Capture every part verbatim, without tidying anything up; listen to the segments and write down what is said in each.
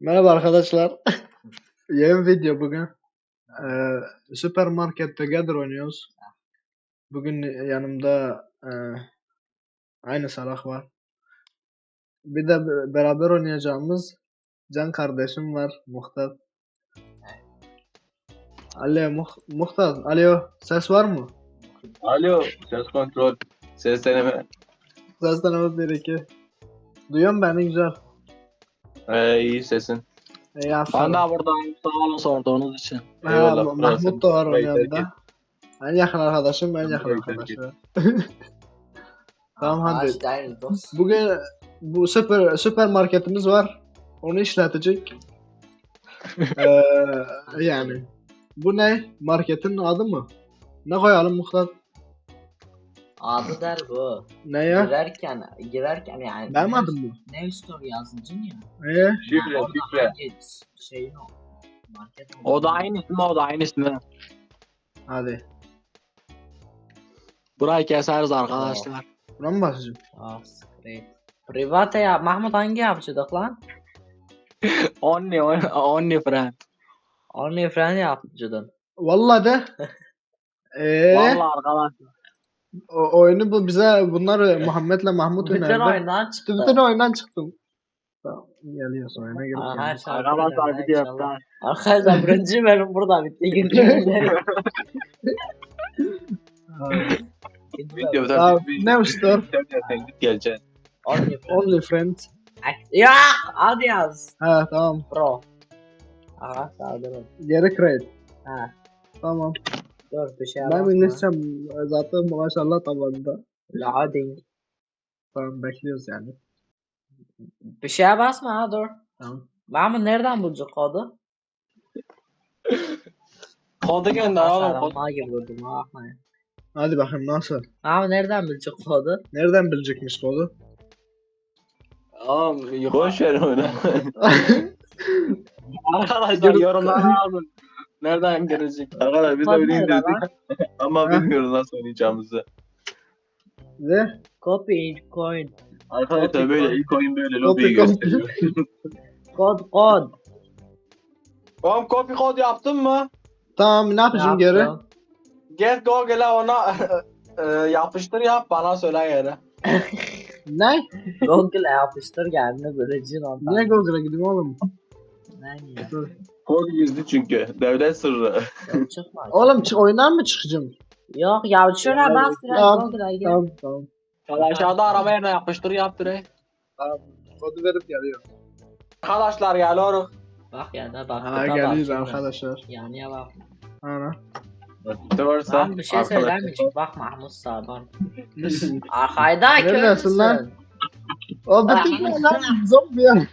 Merhaba arkadaşlar. Yeni video bugün. Ee, Süpermarket Together oynuyoruz. Bugün yanımda e, aynı Salah var. Bir de be- beraber oynayacağımız Can kardeşim var, Muhtar. Alo Muh Muhtar, alo, ses var mı? Alo, ses kontrol, ses deneme. Ses tanımız bir iki. Duyuyor musun beni güzel? Ee, iyi sesin. İyi Ben aferin. de buradayım. Sağ olun sorduğunuz için. Ha, Eyvallah, Ma- burası. Mahmut da var onun Burayı yanında. terk En yakın arkadaşım, en yakın Burayı terk arkadaşı. Tamam hadi. Başlayın dost. Bugün bu süper süpermarketimiz var. Onu işletecek. Ee, yani bu ne? Marketin adı mı? Ne koyalım Muhtar? Adı der bu. Ne ya? Girerken, girerken yani. Benim adım mı? Ne store yazıcın ya. Ee, Şifre, Orada şifre. hangi şeyin o? Market O da aynı ismi, o da aynı ismi. hadi. Burayı keseriz arkadaşlar. Buna mı basacağım? Ah, great. Private ya. Mahmut hangi yapıcıdık lan? Only, only friend. Only friend yapıcıdın. Vallahi de. Ee, Vallahi arkadaşlar. o, oyunu bu bize bunlar Muhammed'le Mahmut Bütün önerdi. oyundan çıktı. Bütün oyundan çıktım. Tamam, geliyorsun oyuna girip Aha, geliyorsun. şarkı Arkadaşlar öyle, video inşallah. yaptılar. Arkadaşlar birinci bölüm burada bitti. İkinci bölüm. Videoda Tamam, bir- ne usta? Sen sen git geleceksin. Only friend. Only friend. Ya hadi yaz. Ha tamam. Pro. Aha saldırın. Geri kredi. Ha. Tamam. Dur bir şey Ben bakma. İngilizcem zaten maşallah tabanında. Loading. Tamam bekliyoruz yani. Bir şeye basma ha dur. Tamam. Mahmut nereden bulacak kodu? Kodu gönder oğlum. Kod. Sarılma gibi vurdum ha bakmayın. Hadi bakayım nasıl? Mahmut nereden bulacak kodu? Nereden bilecekmiş kodu? Oğlum yukarı. Boş ver onu. Arkadaşlar yorumlara yazın. Nereden girecek? Arkadaşlar biz de Kod oynayayım nerede dedik. lan? Ama Ha? bilmiyoruz nasıl oynayacağımızı. Ve Copy in coin. Arkadaşlar böyle ilk oyun böyle Copy, lobiyi copy. gösteriyor. Kod kod. Oğlum copy kod yaptın mı? tamam ne yapacağım geri? Yaptım. Get Google'a ona e, yapıştır yap bana söyle geri. Ne? Google'a yapıştır kendini böyle cin ondan. Niye Google'a gideyim oğlum? Ne ya? Dur. Kod gizli çünkü. Devlet sırrı. Yok, çıkma. Oğlum çık oyundan mı çıkacağım? Yok ya şuna bas biraz Tamam, Google'a gir. Tamam tamam. Ya aşağıda araba yerine yapıştır yap direkt. Tamam. Kodu verip geliyor. Arkadaşlar geliyoruz. Bak ya da bak. Ha tıka bak geliyoruz şimdi. arkadaşlar. Yanıya bak. Ana. İşte varsa. Ben bir şey arkadaşlar- söylemeyecek. Bak Mahmut sağdan. Arkayda Neredesin lan? köylüsün. O bütün ne lan? Zombi ya.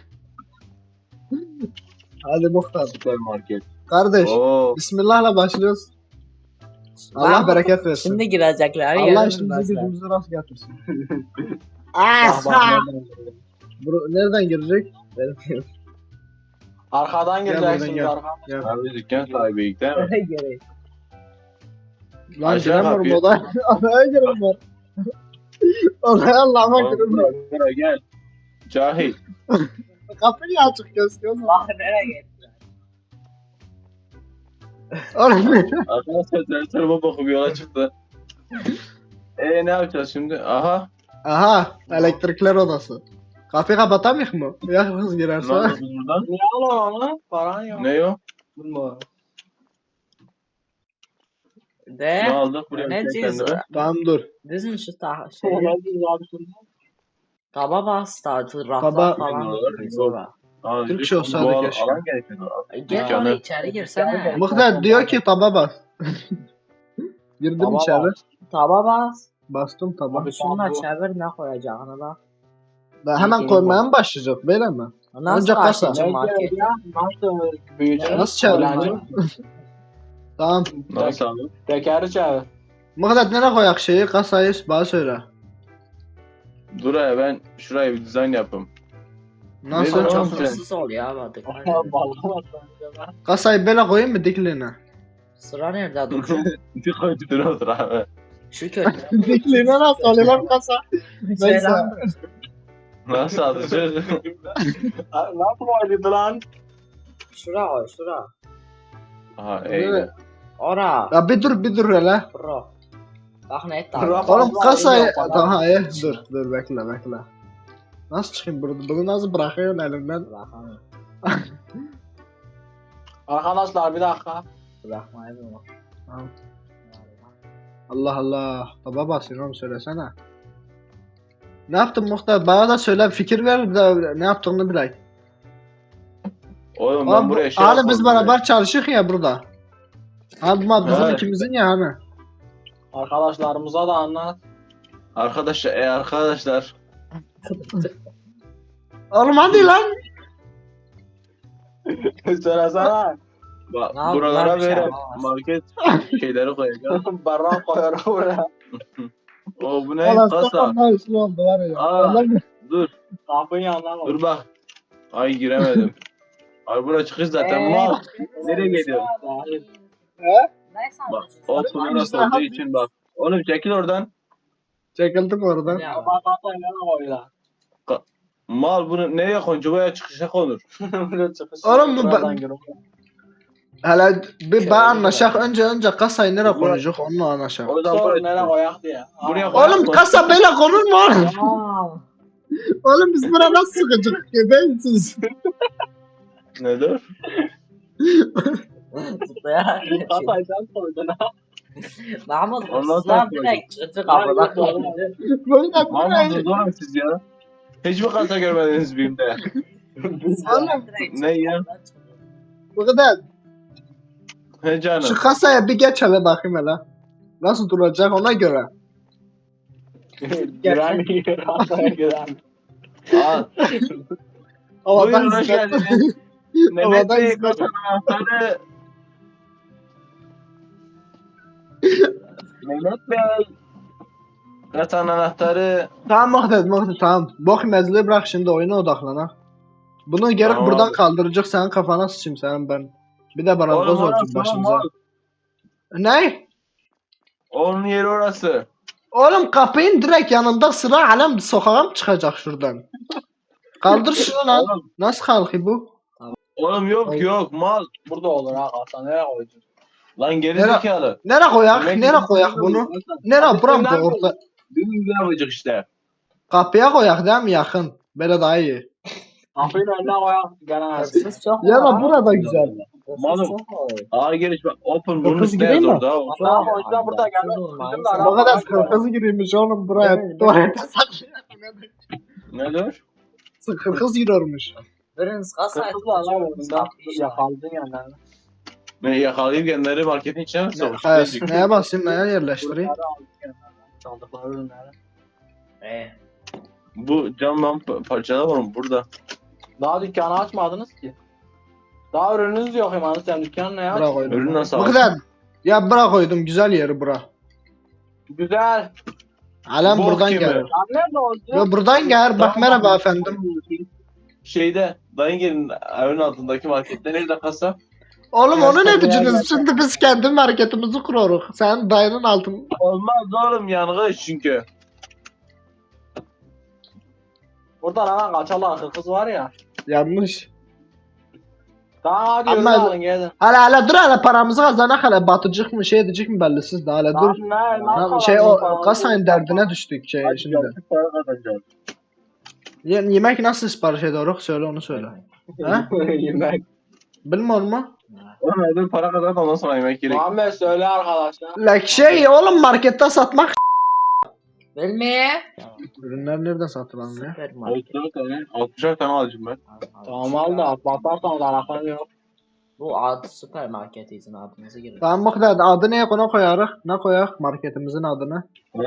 Hadi Muhtar. Süpermarket. Kardeş. Oo. Bismillah'la başlıyoruz. Allah Mahmut, bereket versin. Şimdi girecekler. Allah yemin işimizi bilmezler. gücümüzü rast getirsin. Bak, bak, nereden geliyor. Bro, nereden girecek? Benim Arkadan Gel buradan gireceksiniz gel. arkadan. ya. Abi dükkan sahibiyik değil mi? Öyle gerek. Lan Aşağı giremiyorum kapıyı- odaya. Odaya girin var. Odaya Allah'ıma girin var. Buraya gel. Cahil. Kapı niye açık gözüküyor? Bak nereye gittiler. Oğlum Arkadaşlar ters tarafa bakıp yola çıktı. Eee ne yapacağız şimdi? Aha. aha elektrikler odası. Kapıyı kapatamayız mı? Ya kız Ne girerse. oldu buradan? Niye alın onu? Paran yok. Ne o? Bilmiyorum. De. Ne aldık buraya? Ne bir tek diyorsun? kendime? Tamam dur. Dizin şu ta şey. Ne diyorsun abi şimdi? Taba bas da raflar Taba- falan. Yok. Biz ora. Aa, Türkçe lütfen, olsaydı bu al- keşke. Alan gerekiyor. Gel Dükkanı. oraya içeri girsene. Muhtar diyor ki taba bas. Girdim Taba içeri. bas. Taba bas. Bastım taba. Abi, Şunla bu- çevir ne koyacağını bak. Ben hemen koymaya mı başlayacak böyle mi? Nasıl Önce kasa. açacağım Ne market? diyor ya? Nasıl büyüyecek? Nasıl çevireyim Öğrenci. lan? Tamam. Nasıl aldın? Tekeri çevir. Muhtar nereye koyak şeyi kasayı bana söyle. Dur ya ben şuraya bir dizayn yapayım. Nasıl? Neyse, Çok Tamam. hırsız ol ya badık. Kasayı böyle koyayım mı dikliğine? Sıra nerede dur? Bir koy bir dur otur abi. Şu kötü. Dikliğine nasıl oluyor lan kasa? Neyse. Selam. Nasıl alacak? Nasıl oynadı lan? Şura koy şura. Aha Evet. eyle. Ora. Ya bir dur bir dur hele. Bro. Bak ne etti Bro. abi. Oğlum kasayı... Yok, bana- Daha iyi. Dur dur bekle bekle. Nasıl çıkayım burada? Bunu nasıl bırakıyorsun elimden? Bırakamıyorum. Arkadaşlar bir dakika. Bırakmayı bilmiyorum. Tamam. Allah Allah. Taba basıyorsun oğlum söylesene. Ne yaptın Muhtar? Bana da söyle fikir ver de ne yaptığını bilek. Oğlum ben Abi, buraya şey hani biz yapmadım beraber çalışıyoruz ya burada. Abi bu bizim Evet. ikimizin ya hani. Arkadaşlarımıza da anlat. ya. Arkadaşlar e arkadaşlar. Oğlum hadi lan. Söylesene. Bak Ne yaptın buralara lan bir şey böyle yapamazsın. market şeyleri koyacağız. Barrak koyarım buraya. O bu ne? Kasa. ne işli oldu var ya. Aa. Öyle mi? Dur. Kapının yanına koy. Dur bak. Ay giremedim. Ay bura çıkış zaten Ee, mal. Nereye gidiyor? He? Neyse Bak anlaşılsın. o pınar olduğu için bak. Oğlum çekil oradan. Çekildim oradan. Ya. Bak kapının yanına koy lan. Mal bunu nereye koncu buraya çıkışa konur. Böyle çıkış. Oğlum bu Buradan ben- girip- Hele bir ben anlaşak önce önce kasayı nereye koyacak onunla anlaşak. O yüzden Sor buraya nereye çıkış. koyak diye. Buraya Aa, koy. Oğlum kasa böyle konur mu oğlum? Tamam. Oğlum biz buna nasıl sıkacak? Gebeğsiz. Ne dur? Zıplayarak geçiyor. Kasayı sen koydun ha. Mahmut Ondan sonra hırsızlar direkt çıktı kapıdan. Böyle Mal böyle. mısınız oğlum siz ya? Hiç mi kasa görmediniz BİM'de? Oğlum Ne ya? bu kadar. He canım. Şu kasaya bir geç hele bakayım hele. Nasıl duracak ona göre. Giren giren. Kasaya giren. Al. Havadan Buyurun hoş izlet. geldiniz. Mehmet Havadan Bey izlet. kasanın anahtarı. Mehmet Bey. Kasanın anahtarı. Tamam Muhtet Muhtet tamam. Bok mezli bırak şimdi oyuna odaklanak. Bunu geri Tamam buradan abi. kaldıracak senin kafana sıçayım senin ben. Bir de bana Oğlum boz orası olsun başımıza. olmaz. Ne? Onun yeri orası. Oğlum kapının direkt yanında sıra alem sokağa mı çıkacak şuradan? Kaldır şunu lan. Oğlum, Nasıl kalkıyor bu? oğlum yok Oğlum. yok mal. Burada olur ha kasa. Nereye koyacaksın? Lan geri Nere- zekalı. Nere koyak? Demek ki Nere biz koyak böyle bunu? yapacağız. Nere Hadi buram sen da ne orta. Bizim gibi yapacak işte. Kapıya koyak değil mi yakın? Böyle daha iyi. Kapının önüne koyak. Gene Hırsız çok Ya var da ha. burada güzel. Hırsız Malum. çok var. Aa geliş bak. Open bunun Kız üstüne gireyim yaz mi? orada. o. Daha koyacağım burada gene. Hırsız olmaz. Bizim de Bu kadar araba- kırkız girmiş oğlum buraya. Evet, Tuvalete saklıyor. Ne dur? Kırkız giriyormuş. Biriniz kasayı Kırkız var lan tutacak. bunda. Yakaldın yani. Ben yakalayıp kendileri marketin içine mi sokmuş? Evet. Neye basayım neye yerleştireyim? Bunları aldın yani. Çaldıkları ürünleri. Ee, Bu camdan pa- parçalar var mı burada? Daha dükkanı açmadınız ki. Daha ürününüz yok imanı sen dükkanı ne Bırak aç? koydum. Ürün nasıl Bu aldın? kadar. Ya bırak koydum güzel yeri bura. Güzel. Alem Bok buradan gibi. gel. Lan nerede oldu? Ya buradan gel. Bak merhaba efendim. Şeyde, dayın gelin evin altındaki markette nerede kasa? Oğlum onu ne Göstermeye diyeceksiniz? geldim. Şimdi biz kendi marketimizi kurarız. Sen dayının altın. Olmaz oğlum yangın çünkü. Burada lan kaçalar kırkız var ya. Yanlış. Tamam hadi Ama- yürü alın gelin. Hele hele dur hele paramızı kazanak hele batıcık mı şey edecek mi bellisiz de hele dur. Lan ne? Tamam, Nasıl şey o alıyorsun? kasayın derdine düştük şey Hadi şimdi. yaptık para kazanacağız. Ye- yemek nasıl sipariş ediyoruz? Söyle onu söyle. Ha? Yemek. Bilmiyor mu? Oğlum evde para kazan ondan sonra yemek gerek. Muhammed söyle arkadaşlar. Like şey oğlum markette satmak. bilmeye. Ürünler nereden satılan ya? Süpermarket. altmış dört tane, altmış dört tane alacağım ben. Tamam al da batarsan zaraklar yok. Bu adı süpermarket izin adınızı girin. Tamam bu kadar. Adı neye konu koyarız? Ne koyak? Marketimizin adını.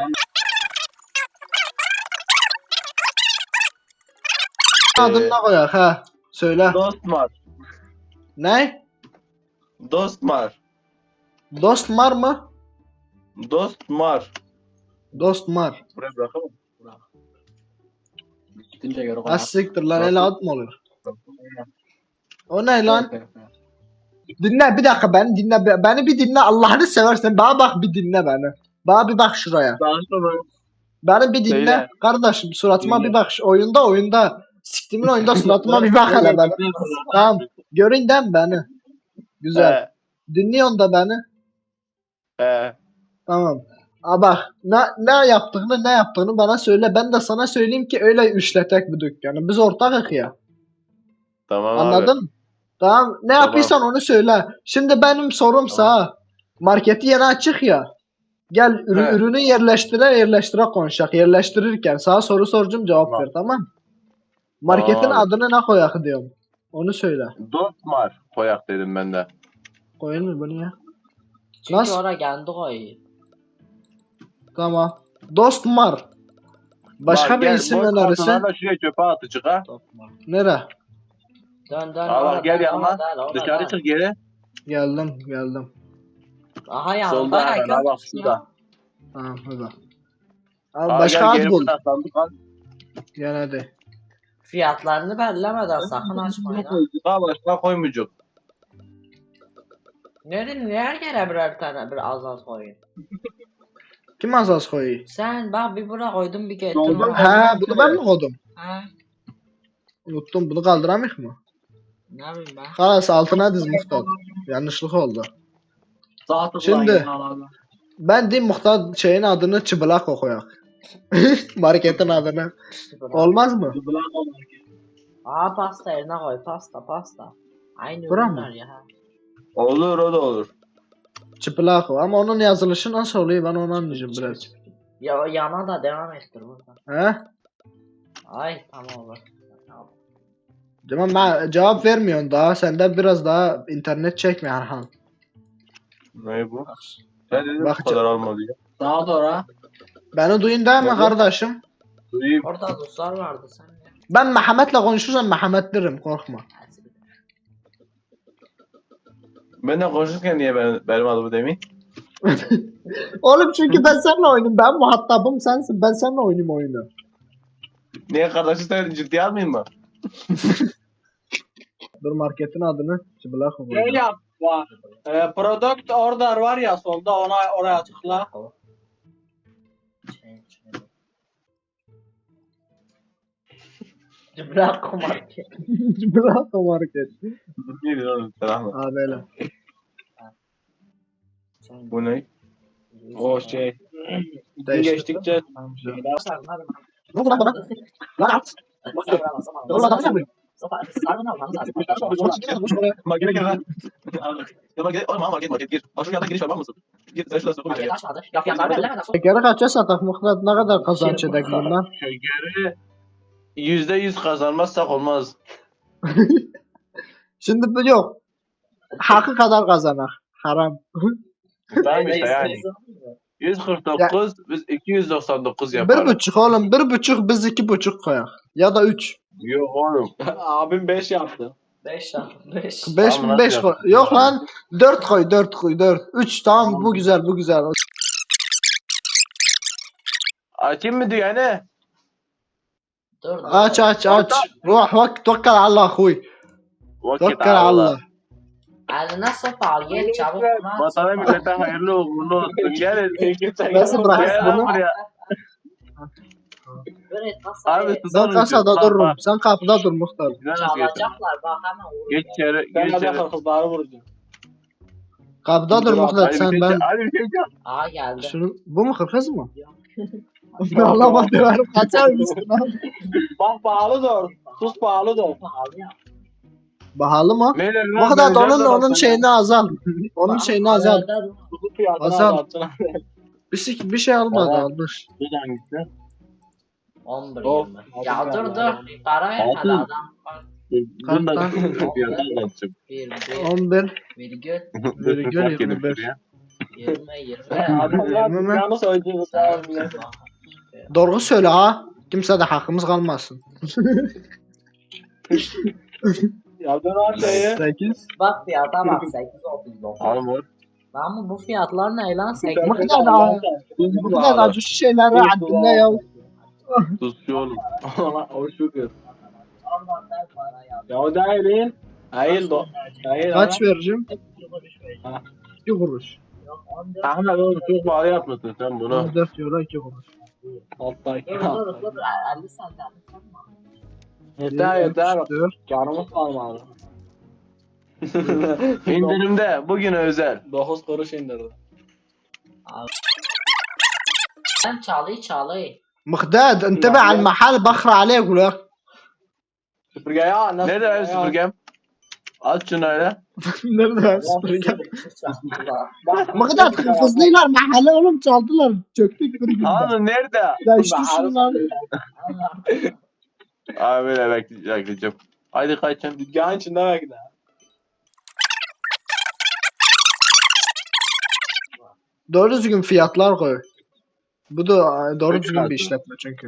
Adını ne koyak ha? Söyle. Dostmar. Ne? Dostmar. Dostmar mı? Dostmar. Dostmar. Buraya bırakalım. Gittince göre Az siktir lan el ad mı olur? O ne lan? Dinle bir dakika beni dinle. be- Beni bir dinle Allah'ını seversen. Bana bak bir dinle beni. Bana bir bak şuraya. Daha sonra Beni bir dinle. Söyle. Kardeşim suratıma Dinle. bir bak. Şu oyunda oyunda. Siktimin oyunda suratıma bir bak hele beni. Tamam. Görün değil mi beni? Güzel. Dinliyorsun da beni. He. He. Tamam. Aa bak ne, ne yaptığını ne yaptığını bana söyle. Ben de sana söyleyeyim ki öyle işletek bu dükkanı. Biz ortakız ya. Tamam abi. Anladın mı? Tamam. Ne Tamam. yapıyorsan onu söyle. Şimdi benim sorum sana. Marketi yeni açık ya. Gel ürü- He. ürünü yerleştire yerleştire konuşak. Yerleştirirken sana soru soracağım cevap Tamam. ver tamam mı? Marketin Tamam abi. adını ne koyak diyorum. Onu söyle. Dostmar koyak dedim ben de. Koyun mu bunu ya? Çünkü Nasıl? oraya kendi koyuyor. Tamam. Dostmar. Başka Bak, bir gel, isim boş önerirsen. kartonlarla şuraya çöpe atıcık ha. Nere? Dön dön Aa, bak, orada, gel yanıma. orada, orada. Dışarı çık geri. Geldim geldim. Aha yanında Solda ya, hemen gör ha bak musun ya? şurada. Tamam hadi. Abi Aa, başka gel ad geri bul. buradan sandık al. Gel hadi. Fiyatlarını belirlemeden sakın açmayın ha. Daha başka koymayacak. Nerede niye yere birer tane bir az az koyun? Kim azaz koyuyor? Sen bak bir bura koydun bir getirdin. Doldu. He bunu ben mi koydum? Ha, Unuttum bunu kaldıramayız mı? ne bileyim ben. Kalas altına diz muhtar. Yanlışlık oldu. Sağ tıkla Şimdi- yine abi. Ben diyeyim muhtar şeyin adını çıbılak koyak. Marketin adını. İşte bura. Olmaz mı? Aa pasta yerine koy pasta pasta. Aynı Bura ürünler mı? ya. ha. Olur o da olur. Çıpılak o. Ama onun yazılışı nasıl oluyor ben onu anlayacağım biraz. Ya yana da devam ettir burada. He? Ay tamam olur. Tamam ben cevap vermiyorsun daha. Sende biraz daha internet çekme Erhan. Ne bu? Sen dedin Bak bu kadar alma diye. Sağa doğru. Beni duyun değil mi Evet. kardeşim? Duyayım. Orada dostlar vardı sen ne? Ben Mehmet'le konuşursam Mehmet derim korkma. Benden konuşurken niye ben, benim adımı demeyin? Oğlum çünkü ben seninle oynuyorum. Ben muhatabım sensin. Ben seninle oynayayım oyunu. Niye kardeşi sen ciddiye almayayım mı? Dur marketin adını çıbılak Şey koyacağım. yap. Var. E, product order var ya solda ona oraya tıkla. Bırak kumar ki. Çıbılak o market. Ne diyorsun oğlum sen Ahmet? Aa böyle. Bu ne? O şey. Gün Değişti. geçtikçe Ne lan bana? Lan at. Dur lan adam mı? Markete gir lan. Ya market, oğlum market market gir. Bak şu yandan giriş var var mısın? Gir sen şurada sokun içeri. Ya fiyatları belirlemeden Şekeri kaça satak Muhtar? Ne kadar kazanç edek bundan? Şekeri yüzde yüz kazanmazsak olmaz. Şimdi bu yok. Hakkı kadar kazanak. Haram. Tamam işte yani. yüz kırk dokuz biz iki yüz doksan dokuz Bir yaparız. buçuk oğlum. Bir buçuk biz iki buçuk koyak. Ya da üç. Yok oğlum. abim beş yaptı. beş ya beş. Beş Tamam, mi? Beş nasıl koy. yaptın? Yok lan. Dört koy. Dört koy. Dört. Üç tamam bu güzel bu güzel. Açayım mı dükkanı? Dur dur. Aç aç aç. Ruh vak tokkal Allah huy. Vakit Tokkal Allah. Eline sopa al gel çabuk bunu aç. Vatana millete hayırlı uğurlu olsun. Gelin. Nasıl bırakırsın Gel lan bunu? buraya. Böyle nasıl Abi Abi, tutar Ben kasada Bak, dururum. bak. Sen kapıda dur Muhtar. Güzel nasıl geçti? çalacaklar bak hemen vurun. Geç içeri. Ben Geç de içeri. kızları vuracağım. Kapıda dur Dur, Muhtar Hadi bir sen şey ben. hadi bir şey yap. Aa geldi. Şunu bu mu kırkız mı? Allah bak diyorum kaçar mısın lan? Bak pahalı da sus pahalı da Pahalı ya. Bahalı mı? Neler Bu kadar da onun onun şeyini azal. Onun şeyini azal. Arada- Kuzu fiyatını Hasan. azaltsın. Bir, şey- bir şey almadı Baba. almış. Bu da hangisi? on bir Of, yirmi. altı Ya tane dur var. dur. Para etmedi Altı. adam. Bak, Bunu da Kaç fiyatı anlatacağım. Bir bir on bir. virgül Virgül Bak yedim yirmi beş. şuraya. yirmi yirmi. Adamlar Yirmi mi? dükkanı soyacağız. Tamam ya. Doğru söyle ha. Kimse de hakkımız kalmasın. Ya dön şeyi. sekiz. Bak fiyata bak sekiz otuz dokuz. Al mor. Lan bu fiyatlar ne lan sekiz? Bu kadar da bu kadar da acı şeyleri haddinde ya. Tuzcu oğlum. O şükür. Oradan ver para ya. Ya o değil. Hayır do. Hayır. Kaç vereceğim? Ha. iki kuruş. Yok on dört. Ahmet oğlum çok pahalı yapmışsın sen bunu. on dört euro iki kuruş. Alttaki. Dur dur dur. elli sen elli sen mi? Yeter yeter. üç, dört. Canımız kalmadı. İndirimde bugün özel. dokuz kuruş indirdi. Ben çalıyı çalıyı. مقداد انتبه على المحل بخرع عليه اقول لك. Süpürge ya. Nasıl Nerede benim süpürgem? Aç şunu öyle. Nerede süpürge? Bak, مقداد kızdılar mahalle oğlum çaldılar. Çöktük bir günde. Hanım nerede? Ya işte şunlar. Abi böyle bekle- bekleyeceğim. Haydi kaçın. Dükkanın içinde bekle. Doğru düzgün fiyatlar koy. Bu da doğru düzgün bir işletme çünkü.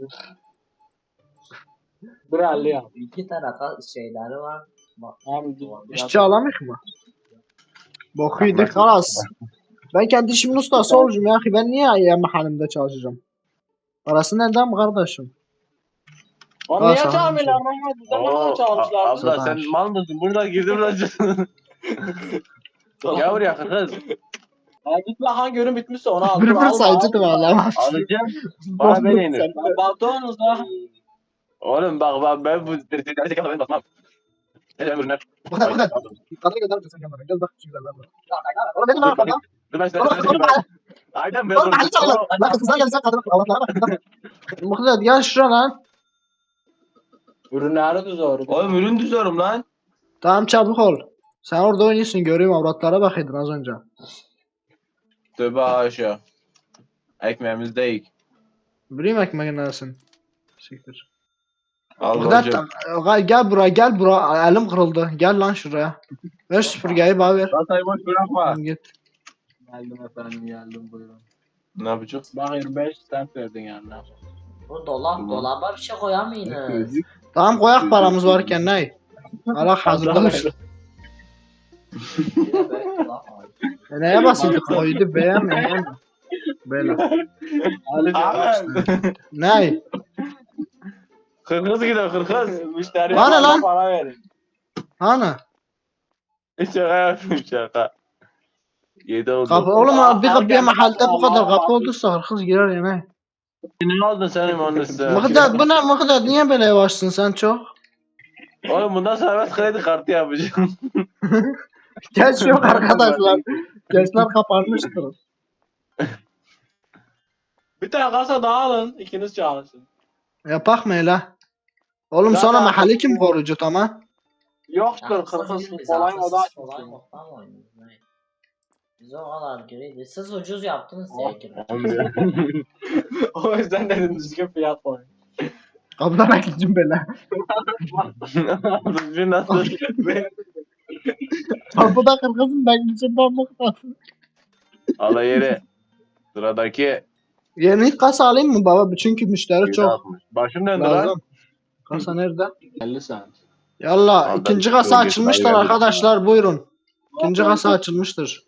Bir elli ya. İki tarafa şeyleri var. Bak. Hem İşçi alamayız mı? Boku yedik kalas. Ben kendi işimin ustası olacağım ya. Ben niye ya mahallemde çalışacağım? Parası nereden mi kardeşim? Onu Ha, niye sana çalmıyorlar? Ama bizden ne kadar Oo, çalmışlar? a- abla Zaten. sen mal mısın? Burada girdim lan. Gel buraya kız. Ya git bakan görün bitmişse onu al. Bir Dur, bir alma, sayıcı da alma. valla. Alacağım. Bana ben inir. Ya Baktınız da. Oğlum bak ben, ben bu tertipleri çeken ben basmam. Ne demek ürünler? Bu kadar bu kadar. Yukarıda gönder misin kamerayı? Gel bak şu güzelden bak. Oğlum benim var kadar. Dur ben Oğlum size oğlum bak. Aynen ben Oğlum mahalle çalıyor. Lan kızlar gelirse kadın. Allah'lara bak. Muhlet gel şuraya lan. Ürünleri düzüyor. Oğlum ürün düzüyorum lan. Tamam çabuk ol. Sen orada oynuyorsun görüyorum avratlara bakıyordun az önce. Tövbe haşa. Ekmeğimiz değil. Bileyim ekmeğin neresin. Siktir. Allah Muhlet hocam. gel buraya gel buraya. Elim kırıldı. Gel lan şuraya. Ver süpürgeyi bana ver. Kasayı boş bırakma. Tamam, git. Geldim efendim geldim buyurun. Ne yapacağız? Bak yirmi beş cent verdin yani. Bu dolap Tamam. dolaba bir şey koyamayınız. Tamam koyak paramız varken ne? Allah hazırlamış. Bir de böyle dolap var. E neye basıyorduk? Koydu beğen beğen. Böyle. Abi. Ne? Kırkız gidiyor kırkız. Müşteriye Bana fazla lan. para verin. Hani? Şaka yapıyorum şaka. Yedi oldu. Kapı oğlum Aa, abi bir kapıya erken mahallede bu kadar Allah'a kapı bak. olduysa hırsız girer ya ne? Ne aldın senin onun üstüne? Mıhdet bu ne Mıhdet niye böyle yavaşsın sen çok? Oğlum bundan sonra ben kredi kartı yapacağım. Geç yok arkadaşlar. Gençler kapanmıştır. Bir tane kasa daha alın. İkiniz çalışın. Yapak mı hele? Oğlum Zaten- sonra mahalle kim koruyucu tamam? Yoktur kırkız kolay moda Kolay açmışsın. moddan mı oynuyoruz? Ne? Biz o kadar gireydi. Siz ucuz yaptınız Oh. diye girdik. O yüzden dedim düzgün fiyat koy. Kapıdan gideceğim böyle. Bir nasıl? Kapıda kırkızım ben gideceğim ben Mıhdet. Ala yeri. Sıradaki. Yeni kasa alayım mı baba? Çünkü müşteri çok Başım döndü lan. lazım. Kasa nerede? elli cent. Yallah Vallahi ikinci çok kasa iyi, açılmıştır sayı arkadaşlar buyurun. İkinci kasa açılmıştır.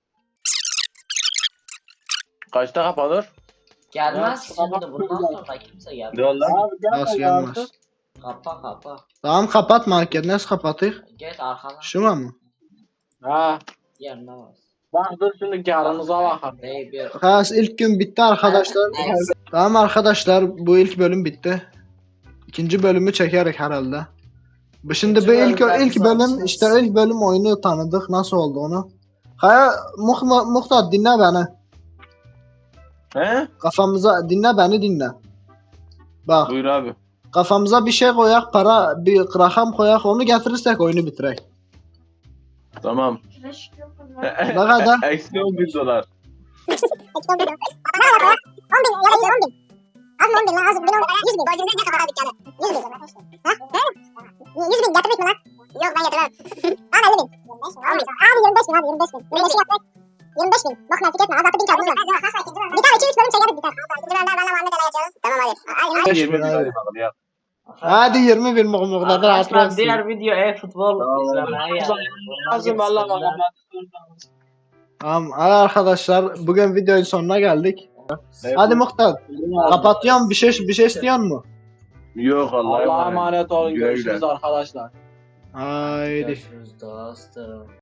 Kaçta kapanır? Gelmez Ya, şimdi sabah- bundan sonra kimse Ne gelmez. oldu lan? Abi gel Nasıl bakalım. gelmez? Kapa kapa. Tamam kapat market nasıl kapatayım? Geç arkadan Şu mu? Ha. yerine bas. Bak dur şimdi karınıza bakın. Bey bir. Has ilk gün bitti arkadaşlar. Tamam arkadaşlar bu ilk bölüm bitti. İkinci bölümü çekerek herhalde. Bu Şimdi bu İkinci ilk bölümden ilk biz bölüm alışırız. işte ilk bölüm oyunu tanıdık nasıl oldu onu. Kaya Muhta Muhtar dinle beni. He? Kafamıza dinle beni dinle. Bak Buyur abi. kafamıza bir şey koyak para bir rakam koyak onu getirirsek oyunu bitirek. Tamam. Ne kadar? Eksi on bin dolar. Az mı on bin lan az bin on yüz bin borcunda ne kadar dükkanı yüz bin ha he yüz bin getirdik mi lan yok ben getirmem al elli bin abi yirmi beş bin abi yirmi beş bin yirmi beşi yaptık yirmi beş bin bak nasip etme az altı bin kağıdımız var bir tane iki üç bölüm çekeriz biter ikinci bölümde benle Muhammed Ali açıyoruz tamam hadi al yirmi bin abi. dolar ya. Hadi yirmi bin Muhtar Arkadaşlar hatırlasın. diğer video e-futbol Tamam. izlemeye gelin. Lazım valla bana. Tamam hadi arkadaşlar bugün videonun sonuna geldik. Hadi Muhtar kapatıyorum bir şey bir şey istiyor mu? Yok Allah'a Allah'a emanet. emanet olun. Güle güle. Görüşürüz arkadaşlar. Haydi. Görüşürüz dostum.